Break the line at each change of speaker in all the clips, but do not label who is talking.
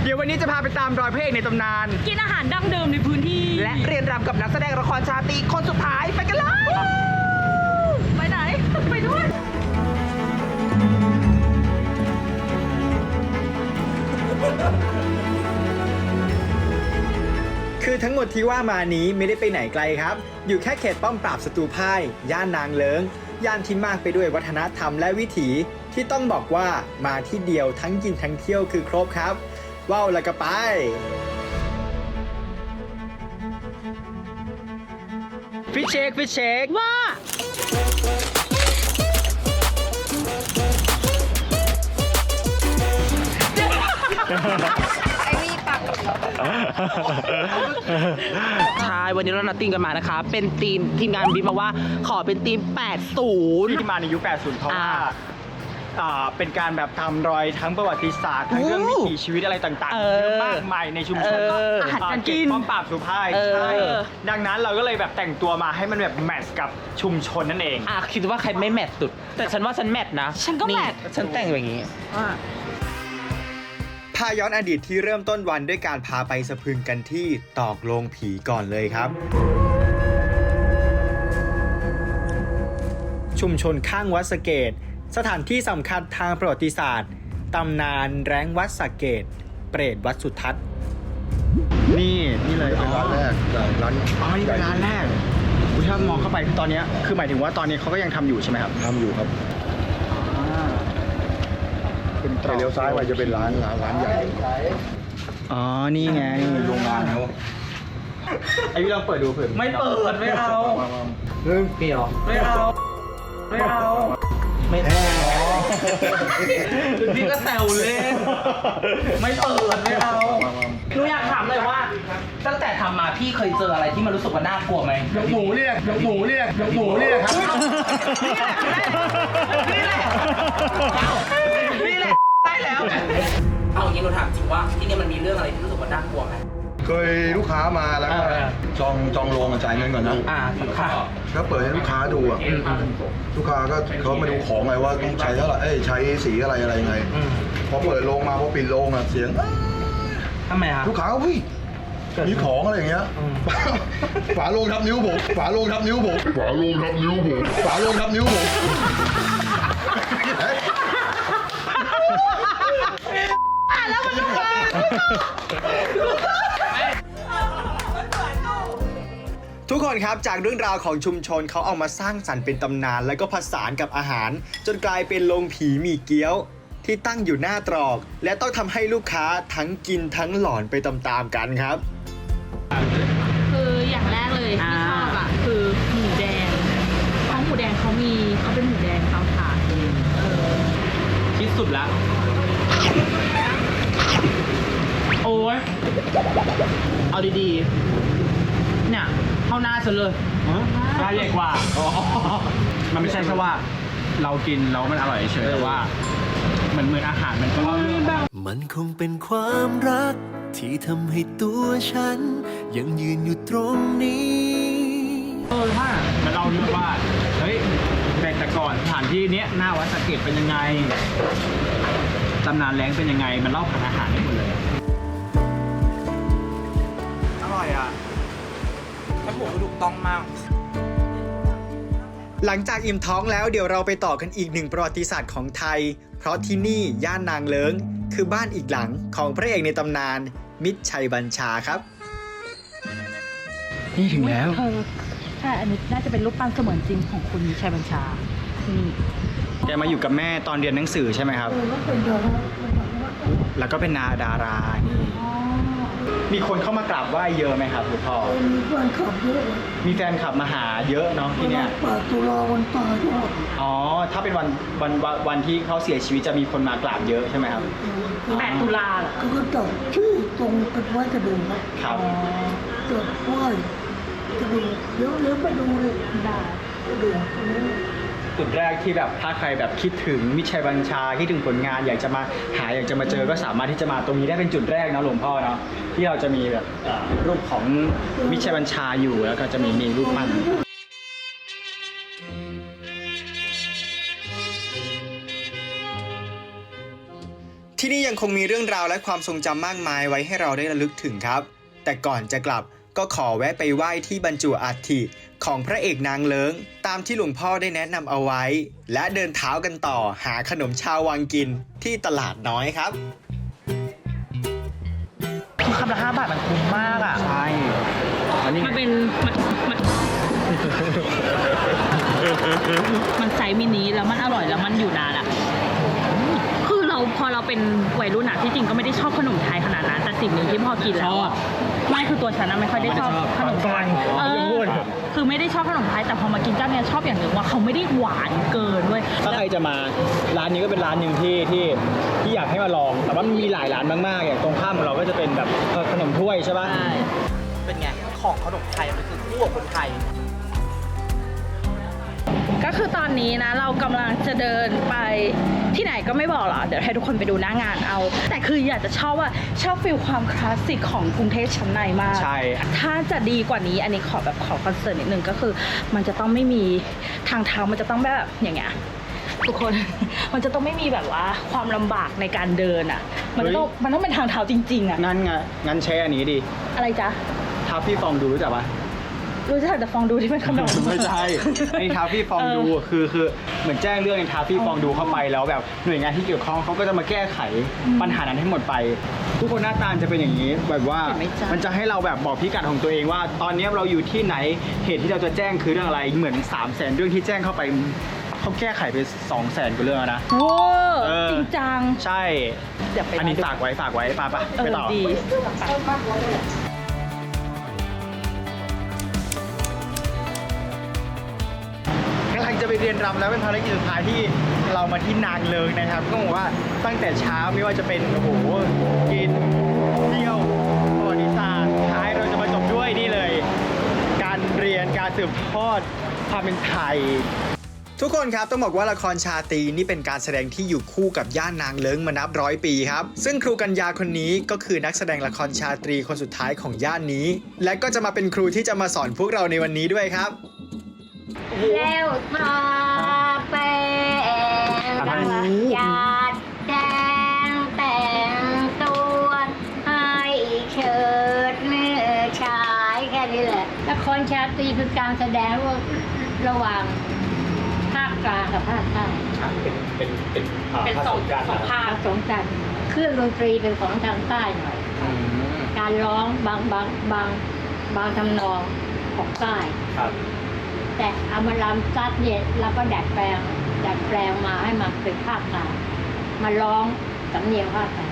เดี๋ยววันนี้จะพาไปตามรอยพระเอกในตำนาน
กินอาหารดั้งเดิมในพื้นที่
และเรียนรำกับนักแสดงละครชาตรีคนสุดท้ายไปกันเลย
ไปไหน ไปด้วย
คือทั้งหมดที่ว่ามานี้ไม่ได้ไปไหนไกลครับ อยู่แค่เขตป้อมปราบศัตรูพ่ายย่านนางเลิ้งย่านที่มากไปด้วยวัฒนธรรมและวิถีที่ต้องบอกว่ามาที่เดียวทั้งกินทั้งเที่ยวคือครบครับว้าวแล้วก็ไป
ฟิชเช็ค
ว่า
ใช่วันนี้เรานัดทีมกันมานะคะเป็นทีมงานบีบมาว่าขอเป็นทีม 80
ที่มาในยุค 80 เพราะว่าเป็นการแบบทำรอยทั้งประวัติศาสตร์ทั้งเรื่องวิถีชีวิตอะไรต่างๆเยอะมากมายในชุมชน
อาหารการกิน
ป้อมปราบสุภาพใช่ดังนั้นเราก็เลยแบบแต่งตัวมาให้มันแบบแมทช์กับชุมชนนั่นเอง
คิดว่าใครไม่แมทสุดแต่ฉันว่าฉันแมทนะ
ฉันก็แมท
ฉันแต่งอย่างนี้
พาย้อนอดีตที่เริ่มต้นวันด้วยการพาไปสะพรึงกันที่ตอกโลงผีก่อนเลยครับชุมชนข้างวัดสะเกดสถานที่สำคัญทางประวัติศาสตร์ตำนานแร้งวัดสะเกดเปรตวัดสุทัศน์
นี่เลย
เป็นร้านแรกร้าน
นี่เป็นร้านแรกถ้ามองเข้าไปตอนนี้คือหมายถึงว่าตอนนี้เขาก็ยังทำอยู่ใช่ไหมครับ
ทำอยู่ครับเลี้ยวซ้ายไปจะเป็นร้านใหญ่
อ๋อนี่ไง
โรงงานเขา
ไอ้พี่ลองเปิดดูเผื่อ
ไม่เปิดไม่เอา
เรื่อง
เกี่ยวไม่เอาไม่เอาพี่ก็แซวเล่นไม่เปิดไม่เอาหนูอยากถามเลยว่าตั้งแต่ทำมาพี่เคยเจออะไรที่มันรู้สึกว่าน่ากลัวไหม
ยกหมูเรียกครับนี่แหละ
ได้แล้วเอาอย่างนี้หนูถามจริงว่าที่นี่มันมีเรื่องอะไรที่รู้สึกว่าน่ากลัวไหม
เคยลูกค้ามาแล้วก็จองโรงจ่ายเงินก่อนนะ
ค่ะ
ก็เปิดให้ลูกค้าดูอ่ะลูกค้าก็เขามาดูของไงว่าต้องใช้เท่าไหร่ใช้สีอะไรไงพอเปิดโรงมาพอปิดโรงอ่ะเสียง
ทำไมฮะ
ลูกค้าวิ่งมีของอะไรอย่างเงี้ยฝาโรงทับนิ้วผมฝาโรงทับนิ้วผม
แล้วมันลูกค้า
ทุกคนครับจากเรื่องราวของชุมชนเขาเอามาสร้างสรรค์เป็นตำนานแล้วก็ผสานกับอาหารจนกลายเป็นโรงผีหมี่เกี๊ยวที่ตั้งอยู่หน้าตรอกและต้องทำให้ลูกค้าทั้งกินทั้งหลอนไปตามๆกันครับ
คืออย่างแรกเลยที่ชอบอ่ะคือหมูแดงเพราะหมูแดงเขาเป็นหมูแดงเตาถ่าน
ที่สุดละโอ้ยเอาดีๆเนี่ยเข้าหน้าฉันเลย
ปลาใหญ่กว่ามันไม่ใช่แค่ว่าเรากินแล้วมันอร่อยเฉยแต่ว่าเหมือนอาหารมันก็เล่าเรื่อง
มันคงเป็นความรักที่ทำให้ตัวฉันยังยืนอยู่ตรงนี้
ถ้ามันเล่าเรื่องว่าเฮ้ยแต่ก่อนสถานที่นี้หน้าวัดสะเกดเป็นยังไงตำนานแร้งเป็นยังไงมันเล่าผ่านอาหารได้หมดเลยอร่อยอ่ะ
แล้วหมูถูกต้องมาก
หลังจากอิ่มท้องแล้วเดี๋ยวเราไปต่อกันอีกหนึ่งประวัติศาสตร์ของไทยเพราะที่นี่ย่านนางเลิ้งคือบ้านอีกหลังของพระเอกในตำนานมิตรชัยบัญชาครับ
นี่ถึงแล้ว
ใช่อันนี้น่าจะเป็นรูปปั้นเสมือนจริงของคุณมิตรชัยบัญชานี่
แกมาอยู่กับแม่ตอนเรียนหนังสือใช่ไหมครับแล้วก็เป็นดารานี่มีคนเข้ามากราบไหว้เยอะไหมครับคุณพ่อ
มีแฟนคลับเยอะ
มีแฟนคลับมาหาเยอะเนาะที่เนี้ย
8 ตุลาวันตายด้วย
อ๋อถ้าเป็นวันที่เขาเสียชีวิตจะมีคนมากราบเยอะใช่ไหมครับ
8 ตุลา
เขาก็จับชื่อตรงเป็นไว้กระดูกนะครับจับไหว้กระดูกเดี๋ยวไปดูเลยกระดูก
จุดแรกที่แบบถ้าใครแบบคิดถึงมิตรชัยบัญชาคิดถึงผลงานอยากจะมาเจอก็สามารถที่จะมาตรงนี้ได้เป็นจุดแรกนะหลวงพ่อเนาะที่เราจะมีแบบรูปของมิตรชัยบัญชาอยู่แล้วก็จะมีรูปปั้น
ที่ที่นี่ยังคงมีเรื่องราวและความทรงจำมากมายไว้ให้เราได้ระลึกถึงครับ แต่ก่อนจะกลับก็ขอแวะไปไหว้ที่บรรจุอัฐิของพระเอกนางเลิงตามที่หลวงพ่อได้แนะนำเอาไว้ และเดินเท้ากันต่อหาขนมชาววังกินที่ตลาดน้อยครับ
คำละ5 บาทมันคุ้มมากอ่ะ
ใช่อันนี้
มันเป็นมันไซส์มินิแล้วมันอร่อยแล้วมันอยู่นานอะคือพอเราเป็นวัยรุ่นอะที่จริงก็ไม่ได้ชอบขนมไทยขนาดนั้นแต่สิ่งหนึ่งที่พอกินแล้วอะไม่คือตัวฉันอะไม่ค่อยได้ชอบขนมไทยคือไม่ได้ชอบขนมไทยแต่พอมากินเจ้าเนี้ยชอบอย่างหนึ่งว่าเขาไม่ได้หวานเกินเว้ย
ถ้าใครจะมาร้านนี้ก็เป็นร้านหนึ่งที่อยากให้มาลอง แต่ว่ามันมีหลายร้านมากๆอย่างตรงข้ามของเราก็จะเป็นแบบขนมถ้วยใช่ป่ะ
เป็นไง ของขนมไทยมันคือคู่กับคนไทย
ก็คือตอนนี้นะเรากำลังจะเดินไปที่ไหนก็ไม่บอกหรอกเดี๋ยวให้ทุกคนไปดูหน้างานเอา แต่คืออยากจะชอบฟีลความคลาสสิกของกรุงเทพชั้นในมาก
ใช่
ถ้าจะดีกว่านี้อันนี้ขอคอนเสิร์ตนิดนึงก็คือ มันจะต้องไม่มีทางเท้ามันจะต้องแบบอย่างเงี้ยทุกคน มันจะต้องไม่มีแบบว่าความลำบากในการเดินอ่ะมันต้องเป็นทางเท้าจริงๆอ่ะ
งั้นใช้อันนี้ดิ
อะไรจ๊ะ
ทาฟี่ฟองดูรู้จักปะ
รู้จักแต่ฟองดูที่เป็นขนม
ไม่ใช่ในทาฟี่ฟองดูคือเหมือนแจ้งเรื่องในทาฟี่ฟองดูเข้าไปแล้วแบบหน่วยงานที่เกี่ยวข้องเขาก็จะมาแก้ไขปัญหานั้นให้หมดไป ทุกคนหน้าตาจะเป็นอย่างนี้แบบว่า
เห็นไหมจ๊ะ
มันจะให้เราแบบบอกพิกัดของตัวเองว่า ตอนนี้เราอยู่ที่ไหนเหตุที่เราจะแจ้งคือเรื่องอะไรเหมือน 300,000 เรื่องที่แจ้งเข้าไปเขาแก้ไขไป200,000กว่าเรื่องแล้วนะ
โอ้
เออ
จริงจัง
ใช่
เดี๋ยวไป
อันนี้ฝากไว้ไปไปต่อ
ดี
กำลังจะไปเรียนรำแล้วเป็นภารกิจสุดท้ายที่เรามาที่นางเลิงนะครับก็บอกว่าตั้งแต่เช้าไม่ว่าจะเป็นโอ้โหกินเที่ยวประวัติศาสตร์ท้ายเราจะมาจบด้วยนี่เลย การเรียนการสืบทอดความเป็นไทย
ทุกคนครับต้องบอกว่าละครชาตรีนี่เป็นการแสดงที่อยู่คู่กับย่านนางเลิ้งมานับร้อยปีครับซึ่งครูกัญญาคนนี้ก็คือนักแสดงละครชาตรีคนสุดท้ายของย่านนี้ และก็จะมาเป็นครูที่จะมาสอนพวกเราในวันนี้ด้วยครับ
แล้วทาแป้งหยาดแดงแต่งตัวให้เชิดเนื้อชายแค่นี้แหละละครชาตรีคือการแสดงระหว่างภาคกลางกับภาคใต้
เป็นสองภาค
ผสมกันเครื่องดนตรีเป็นของทางใต้หน่อย การร้องบางทำนองของใต้ แต่เอามาลำซัดเย็นแล้วก็ดัดแปลงมาให้มันเป็นภาคกลางมาร้องสำเนียงภาคกลาง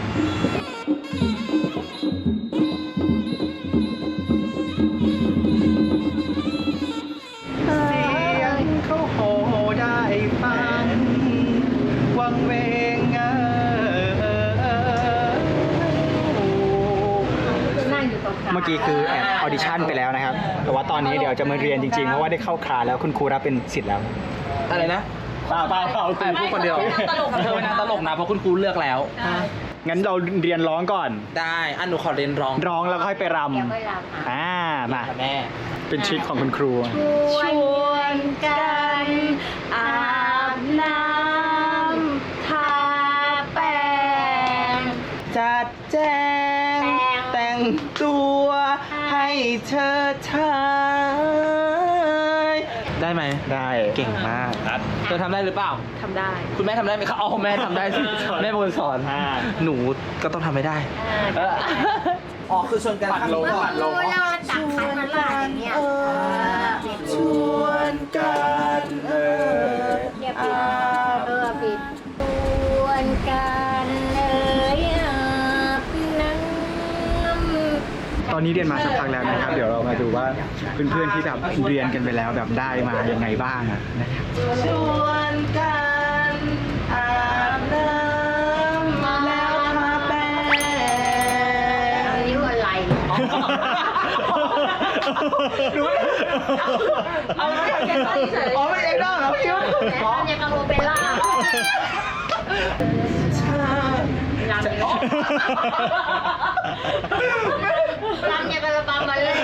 เสียงเขาโหได้ฟังวังเวง
นั่งอยู่ตรงกลาง
เมื่อกี้คือแอบออดิชั่นไปแล้วนะครับ แต่ว่าตอนนี้เดี๋ยวจะมาเรียนจริงๆ เพราะว่าได้เข้าคลาสแล้วคุณครูรับเป็นศิษย์แล้ว
อะไรนะ
เปล่าคุณครูคนเดียว
เธอไม่น่าตลกนะเพราะคุณครูเลือกแล้ว
งั้นเราเรียนร้องก่อน
ได้อันหนูขอเรียนร้อง
ร้องแล้วค่อยไปร
เดี๋ยวไปรำ
ำมา
ค่ะแม่
เป็นทริคของคุณครู
ชวนกันอาบน้ำทาแป้ง
จัดแจงแต่งตัวให้เธอทายได้ไหม
ได้
เก่งมากเธอทำได้หรือเปล่า
ทำได้
คุณแม่ทำได้ไหมคะอ๋อแม่ทำได้สิ แม่เป็นคนสอนหนูก็ต้องทำไม่ได้อ๋อคือชวนกัน
ปัดลง
เมื่อ
ปัดลง
พูดแล้วมันตักขันมาลาดอย่างเงี้ย
ชวนกัน
อย่าปิดปิดชวนกันเลยอาบน้ำ
ตอนนี้เรียนมาสักพักแล้วนะครับ เดี๋ยวเรามาดูว่าเพื่อนๆที่แบบเรียนกันไปแล้วแบบได้มายังไงบ้างนะครับ
ชวนกันอาบน้ำแล้วทาแป้ง
นิ้วอะไร
เอาไม่ใช่เฉยอ๋อไม่เองได้เหรอพี่
ร้องอย่างกับโอเปร่าลำอย่างกับระบำมาเลย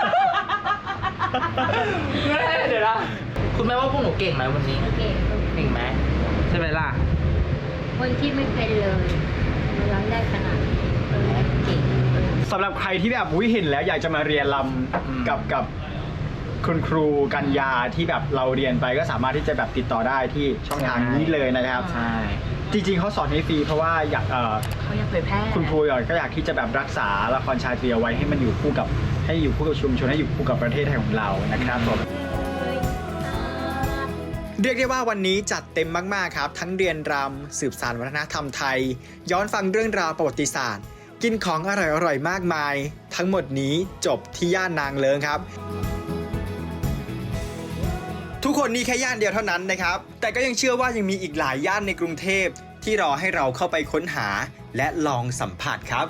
เดี๋ยวนะคุณแม่ว่าพวกหนูเก่งไหมวันนี้
เก่ง
เก่งไหมใช่ไหมล่ะ
คนที่ไม่เป็นเลยร้องได้ขนาดนี้เก่ง
สำหรับใครที่แบบเห็นแล้วอยากจะมาเรียนรำกับคุณครูกัญญาที่แบบเราเรียนไปก็สามารถที่จะแบบติดต่อได้ที่ช่องทางนี้เลยนะครับ
ใช่
จริงๆเขาสอนให้ฟรีเพราะว่าอยาก
เขาอยากเผยแพร่
คุณครูก็อยากที่จะแบบรักษาละครชาตรีเอาไว้ให้มันอยู่คู่กับชุมชนให้อยู่คู่กับประเทศไทยของเรานะครับผม
เรียกได้ว่าวันนี้จัดเต็มมากๆครับ ทั้งเรียนรำสืบสานวัฒนธรรมไทย ย้อนฟังเรื่องราวประวัติศาสตร์ กินของอร่อยๆมากมาย ทั้งหมดนี้จบที่ย่านนางเลิ้งครับ ทุกคนนี่แค่ย่านเดียวเท่านั้นนะครับ แต่ก็ยังเชื่อว่ายังมีอีกหลายย่านในกรุงเทพที่รอให้เราเข้าไปค้นหาและลองสัมผัสครับ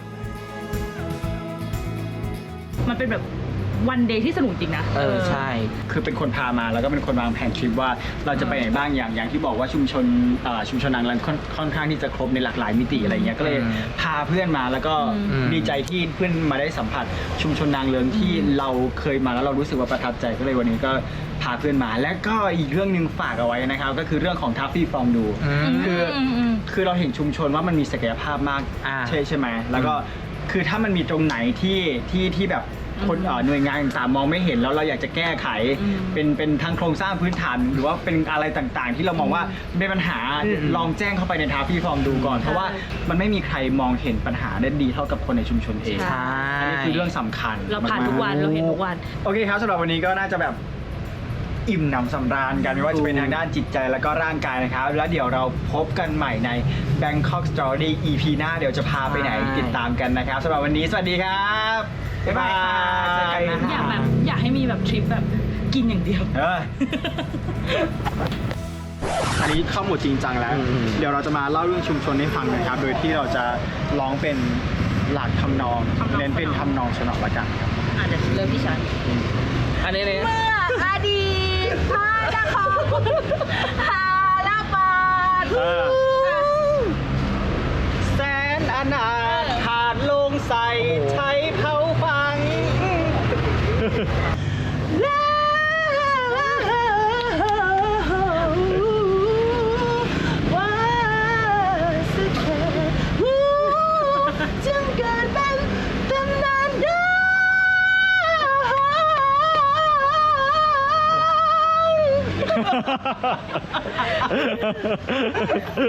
มันเป็นแบบวันเดย์ที่สนุกจริงนะ
ใช่
คือเป็นคนพามาแล้วก็เป็นคนวางแผนทริปว่าเราจะไปไหนบ้างอย่างที่บอกว่าชุมชนนางเลิ้งค่อนข้างที่จะครบในหลากหลายมิติอะไรเงี้ยก็เลยพาเพื่อนมาแล้วก็ดีใจที่เพื่อนมาได้สัมผัสชุมชนนางเลิ้งที่เราเคยมาแล้วเรารู้สึกว่าประทับใจก็เลยวันนี้ก็พาเพื่อนมาและก็อีกเรื่องหนึ่งฝากเอาไว้นะครับก็คือเรื่องของทัฟฟี่ฟองดูคือเราเห็นชุมชนว่ามันมีศักยภาพมากใช่ไหมแล้วก็คือถ้ามันมีตรงไหนที่แบบคนหน่วยงานต่างๆมองไม่เห็นแล้วเราอยากจะแก้ไขเป็นทั้งโครงสร้างพื้นฐานหรือว่าเป็นอะไรต่างๆ ที่เรามองว่าเป็นปัญหาลองแจ้งเข้าไปในทาฟี่ฟอร์มดูก่อนเพราะว่ามันไม่มีใครมองเห็นปัญหาได้ดีเท่ากับคนในชุมชนเอง
ใช่
อันนี้คือเรื่องสำคัญ
เราผ่านทุกวันเราเห็นทุกวัน
โอเคครับสำหรับวันนี้ก็น่าจะแบบอิ่มหนำสำราญกันไม่ว่าจะเป็นทางด้านจิตใจแล้วก็ร่างกายนะครับแล้วเดี๋ยวเราพบกันใหม่ใน Bangkok Story EP หน้าเดี๋ยวจะพาไปไหนติดตามกันนะครับสำหรับวันนี้สวัสดีครับบ๊ายบาย
เจอกันนะ
อยากให้มีแบบทริปแบบกินอย่างเดียว
อันนี้เข้าหมดจริงจังแล้ว เดี๋ยวเราจะมาเล่าเรื่องชุมชนให้ฟังนะครับ โดยที่เราจะร้องเป็นหลักทำนอง เน้นเป็นทำนองชนละกันครับ
อาจจะเริ่มที่ฉัน
อันนี้เลย
เมื่ออดีตพระนครฮาลาบาด
แสนอนาถขาดลงใส่ใช้เผาฟัง
จึงเกิดเป็นตำนานได้